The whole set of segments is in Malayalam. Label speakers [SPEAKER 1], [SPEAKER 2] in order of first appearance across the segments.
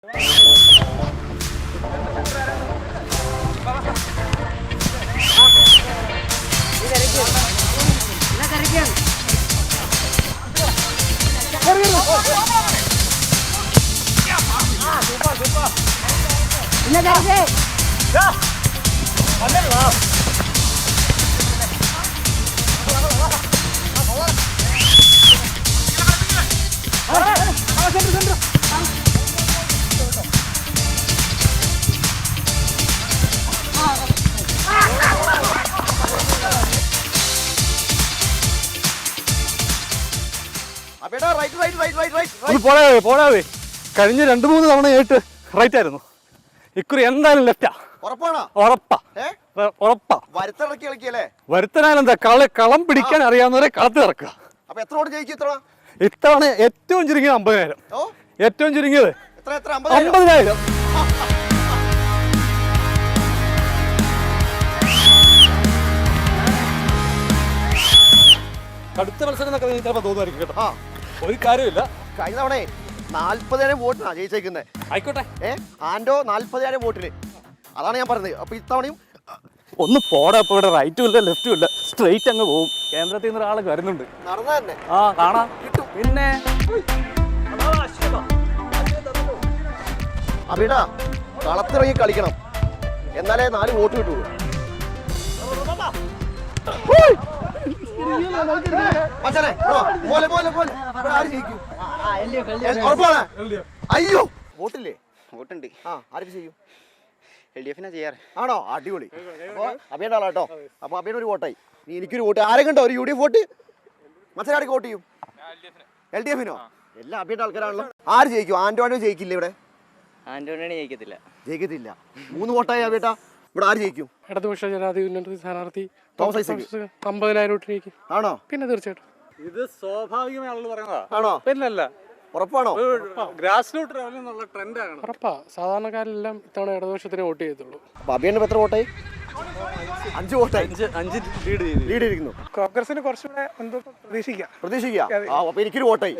[SPEAKER 1] പോടാവേ കഴിഞ്ഞ 2-3 തവണയായിട്ട് റൈറ്റ് ആയിരുന്നു. ഇക്കുറി എന്തായാലും ലെഫ്റ്റാ. ഉറപ്പാ. വരുത്തനാലെന്താ കളം പിടിക്കാൻ അറിയാവുന്നവരെ കളത്തിൽ ഇറക്കുക. ഇത്തവണ ഏറ്റവും ചുരുങ്ങിയത് 50,000. ഏറ്റവും ചുരുങ്ങിയത് 50,000. കടുത്ത മത്സരം എന്നൊക്കെ ചിലപ്പോൾ തോന്നുമായിരിക്കും കേട്ടോ. ഒരു കാര്യമില്ല.
[SPEAKER 2] കഴിഞ്ഞ തവണ 40,000 വോട്ടിനാണ് ജയിച്ചേക്കുന്നത്.
[SPEAKER 1] ആയിക്കോട്ടെ.
[SPEAKER 2] ആൻഡോ 40,000 വോട്ടിന്. അതാണ് ഞാൻ പറഞ്ഞത്. അപ്പൊ ഇത്തവണയും
[SPEAKER 1] ഒന്ന് പോടാ. ഇപ്പൊ ഇവിടെ റൈറ്റും ഇല്ല ലെഫ്റ്റും ഇല്ല, സ്ട്രെയിറ്റ് അങ്ങ് പോകും. കേന്ദ്രത്തിൽ നിന്ന് ഒരാൾ വരുന്നുണ്ട്.
[SPEAKER 2] നടന്നാ തന്നെ
[SPEAKER 1] കാണാം. പിന്നെ
[SPEAKER 2] അബിടാ കളത്തിറങ്ങി കളിക്കണം, എന്നാലേ 4 വോട്ട് കിട്ടുള്ളൂ. അയ്യോ വോട്ടില്ലേ?
[SPEAKER 3] വോട്ടുണ്ട്.
[SPEAKER 2] ആർക്ക് ചെയ്യും?
[SPEAKER 3] LDF ചെയ്യാറ്.
[SPEAKER 2] ആണോ? അടിപൊളി. അപ്പൊ അബിയുടെ ആളാട്ടോ. അപ്പൊ അബിയുടെ ഒരു വോട്ടായി. നീ എനിക്കൊരു വോട്ട്. ആരെങ്കിലും ഉണ്ടോ ഒരു UDF വോട്ട്? മത്സരാടിക്ക് വോട്ട് ചെയ്യും? LDF-നോ? എല്ലാം അബിയുടെ ആൾക്കാരാണല്ലോ. ആര് ജയിക്കും? ആന്റോ ജയിക്കില്ല ഇവിടെ?
[SPEAKER 3] ആന്റോണിയാണ് ജയിക്കത്തില്ല.
[SPEAKER 2] 3 വോട്ടായി അബിയേട്ടാ. ഇവിടെ ആര് ജയിക്കും?
[SPEAKER 4] ഇടതുപക്ഷ ജനാധിപത്യ ഉന്നത സ്ഥാനാർത്ഥി
[SPEAKER 2] തോമസ് ഐസക്
[SPEAKER 4] 50,000 വോട്ടിലേക്ക്.
[SPEAKER 2] ആണോ?
[SPEAKER 4] പിന്നെ തീർച്ചയായിട്ടും
[SPEAKER 1] ഇത് സ്വാഭാവികമായി ആളുകൾ പറയുന്നതാ.
[SPEAKER 2] ആണോ?
[SPEAKER 4] പിന്നല്ല.
[SPEAKER 2] ഉറപ്പാണോ?
[SPEAKER 1] ഗ്രാസ് റൂട്ട് ലെവലിൽ നിന്നുള്ള ട്രെൻഡാണ്.
[SPEAKER 4] ഉറപ്പാ. സാധാരണക്കാരെല്ലാം ഇത്തവണ ഇടതുപക്ഷത്തിന് വോട്ട് ചെയ്യത്തുള്ളൂ.
[SPEAKER 2] അപ്പൊ അബിയുടെ എത്ര വോട്ടായി? 5 വോട്ടായി.
[SPEAKER 1] 5 ലീഡ്
[SPEAKER 2] ഇരിക്കുന്നു.
[SPEAKER 4] കോൺഗ്രസിന് കുറച്ചുകൂടെ
[SPEAKER 2] പ്രതീക്ഷിക്കാം. അപ്പൊ എനിക്കൊരു വോട്ടായി.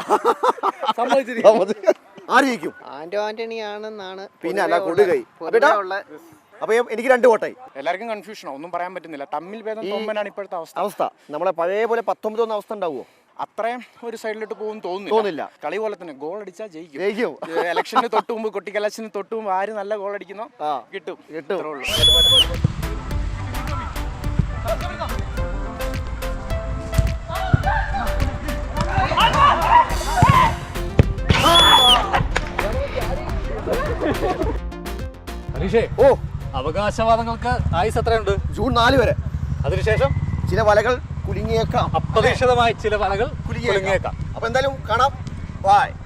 [SPEAKER 2] ആര് ജയിക്കും?
[SPEAKER 3] ആന്റണി ആണെന്നാണ്.
[SPEAKER 2] പിന്നെ അല്ല കൊടുകൈ. അപ്പൊ എനിക്ക് 2 വോട്ടായി.
[SPEAKER 5] എല്ലാവർക്കും കൺഫ്യൂഷനോ, ഒന്നും പറയാൻ പറ്റുന്നില്ല. തമ്മിൽ ഭേദം തോമ്പനാണ് ഇപ്പോഴത്തെ
[SPEAKER 2] അവസ്ഥ. നമ്മളെ പഴയ പോലെ 19 അവസ്ഥ ഉണ്ടാവുമോ?
[SPEAKER 5] അത്രയും ഒരു സൈഡിലോട്ട് പോകും തോന്നുന്നില്ല. കളി പോലെ തന്നെ ഗോൾ അടിച്ചാൽ ജയിക്കും. ഇലക്ഷന് തൊട്ട് മുമ്പ്, കൊട്ടിക്കലാശന് തൊട്ട് മുമ്പ് ആര് നല്ല ഗോൾ അടിക്കുന്നോ കിട്ടും.
[SPEAKER 1] ഹരീഷേ, അവകാശവാദങ്ങൾക്ക് ആയുസ് എത്രയുണ്ട്?
[SPEAKER 2] ജൂൺ 4 വരെ.
[SPEAKER 1] അതിനുശേഷം
[SPEAKER 2] ചില വലകൾ കുലുങ്ങിയേക്കാം.
[SPEAKER 1] അപ്രതീക്ഷിതമായി ചില വലകൾ കുലുങ്ങിയേക്കാം.
[SPEAKER 2] അപ്പൊ എന്തായാലും കാണാം. ബൈ.